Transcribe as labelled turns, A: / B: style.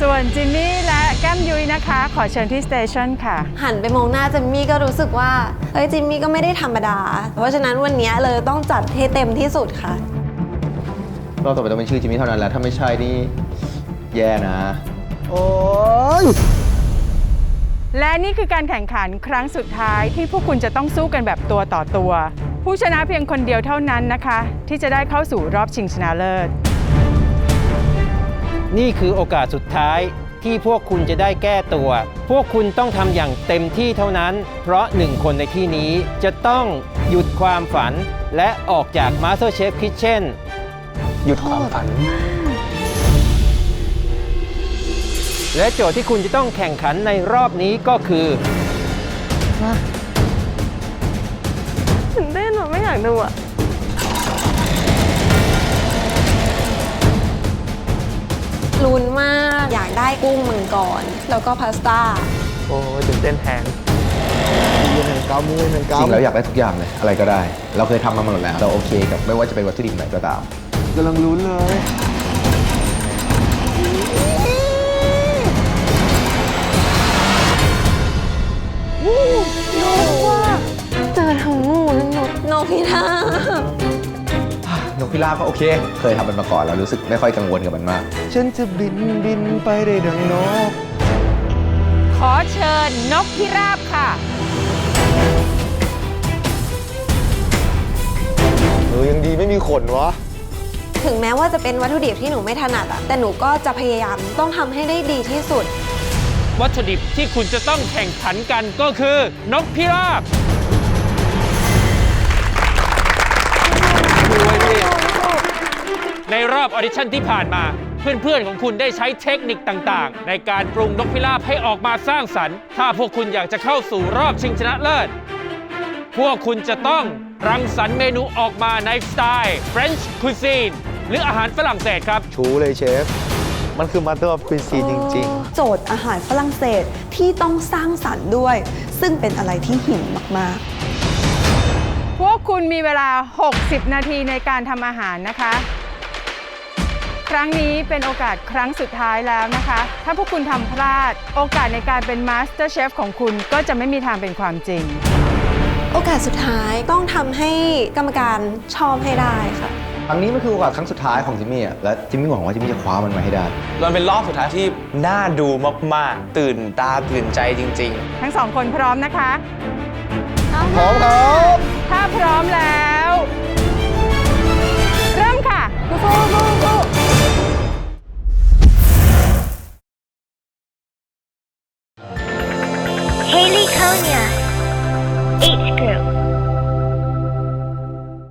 A: ส่วนจิมมี่และแก้มยุ้ยนะคะขอเชิญที่สเตชันค่ะ
B: หันไปมองหน้าจิมมี่ก็รู้สึกว่าเฮ้ยจิมมี่ก็ไม่ได้ธรรมดาเพราะฉะนั้นวันนี้เลยต้องจัดให้เต็มที่สุดค่ะ
C: รอบต่อไปต้องเป็นชื่อจิมมี่เท่านั้นแหละถ้าไม่ใช่นี่แย่นะ
D: โอ้ย
A: และนี่คือการแข่งขันครั้งสุดท้ายที่พวกคุณจะต้องสู้กันแบบตัวต่อตัวผู้ชนะเพียงคนเดียวเท่านั้นนะคะที่จะได้เข้าสู่รอบชิงชนะเลิศ
E: นี่คือโอกาสสุดท้ายที่พวกคุณจะได้แก้ตัว พวกคุณต้องทำอย่างเต็มที่เท่านั้น เพราะหนึ่งคนในที่นี้จะต้องหยุดความฝันและออกจาก MasterChef Kitchen
D: หยุดความฝัน
E: และโจทย์ที่คุณจะต้องแข่งขันในรอบนี้ก็คือ
B: ตื่นเต้นหนูไม่อยากดูอะลุ้นมากอยากได้กุ้งมังกรแล้วก็พาสต้า
D: โอ้ยตื่นเต้นแทนมือหนึ่งเกามือหนึ่งเกา
C: จริงแล้วอยากได้ทุกอย่างเลยอะไรก็ได้เราเคยทำมาหมดแล้วเราโอเคกับไม่ว่าจะเป็นวัตถุดิบไหนก็ตาม
D: กำลังลุ้นเลย
B: เจอทั้งงูและนกพิราบ
C: นกพิราบก็โอเคเคยทำมันมาก่อนแล้วรู้สึกไม่ค่อยกังวลกับมันมาก
D: ฉันจะบินไปได้ดังนก
A: ขอเชิญนกพิราบค่ะ
D: ยังดีไม่มีขนวะ
B: ถึงแม้ว่าจะเป็นวัตถุดิบที่หนูไม่ถนัดอะแต่หนูก็จะพยายามต้องทำให้ได้ดีที่สุด
E: วัตถุดิบที่คุณจะต้องแข่งขันกันก็คือนกพิราบในรอบออดิชั่นที่ผ่านมาเพื่อนๆของคุณได้ใช้เทคนิคต่างๆในการปรุงนกพิราบให้ออกมาสร้างสรรค์ถ้าพวกคุณอยากจะเข้าสู่รอบชิงชนะเลิศพวกคุณจะต้องรังสรรค์เมนูออกมาในสไตล์ French Cuisine หรืออาหารฝรั่งเศสครับ
D: ชูเลยเชฟมันคือ Master of Cuisine จริง
F: ๆโจทย์อาหารฝรั่งเศสที่ต้องสร้างสรรค์ด้วยซึ่งเป็นอะไรที่หินมาก
A: ๆพวกคุณมีเวลา60นาทีในการทำอาหารนะคะครั้งนี้เป็นโอกาสครั้งสุดท้ายแล้วนะคะถ้าพวกคุณทำพลาดโอกาสในการเป็น Master Chef ของคุณก็จะไม่มีทางเป็นความจริง
B: โอกาสสุดท้ายต้องทำให้กรรมการชอบให้ได้ค่ะ
C: ครั้งนี้มันคือโอกาสครั้งสุดท้ายของจิมมี่และจิมมี่หวังว่าจิมมี่จะคว้ามันมาให้ได้
G: มันเป็นรอบสุดท้ายที่น่าดูมากๆตื่นตาตื่นใจจริง
A: ๆทั้งสองคนพร้อมนะคะ
D: พร้อมครับ
A: ถ้าพร้อมแล้วเริ่มค่ะ
H: Haley Konya, 8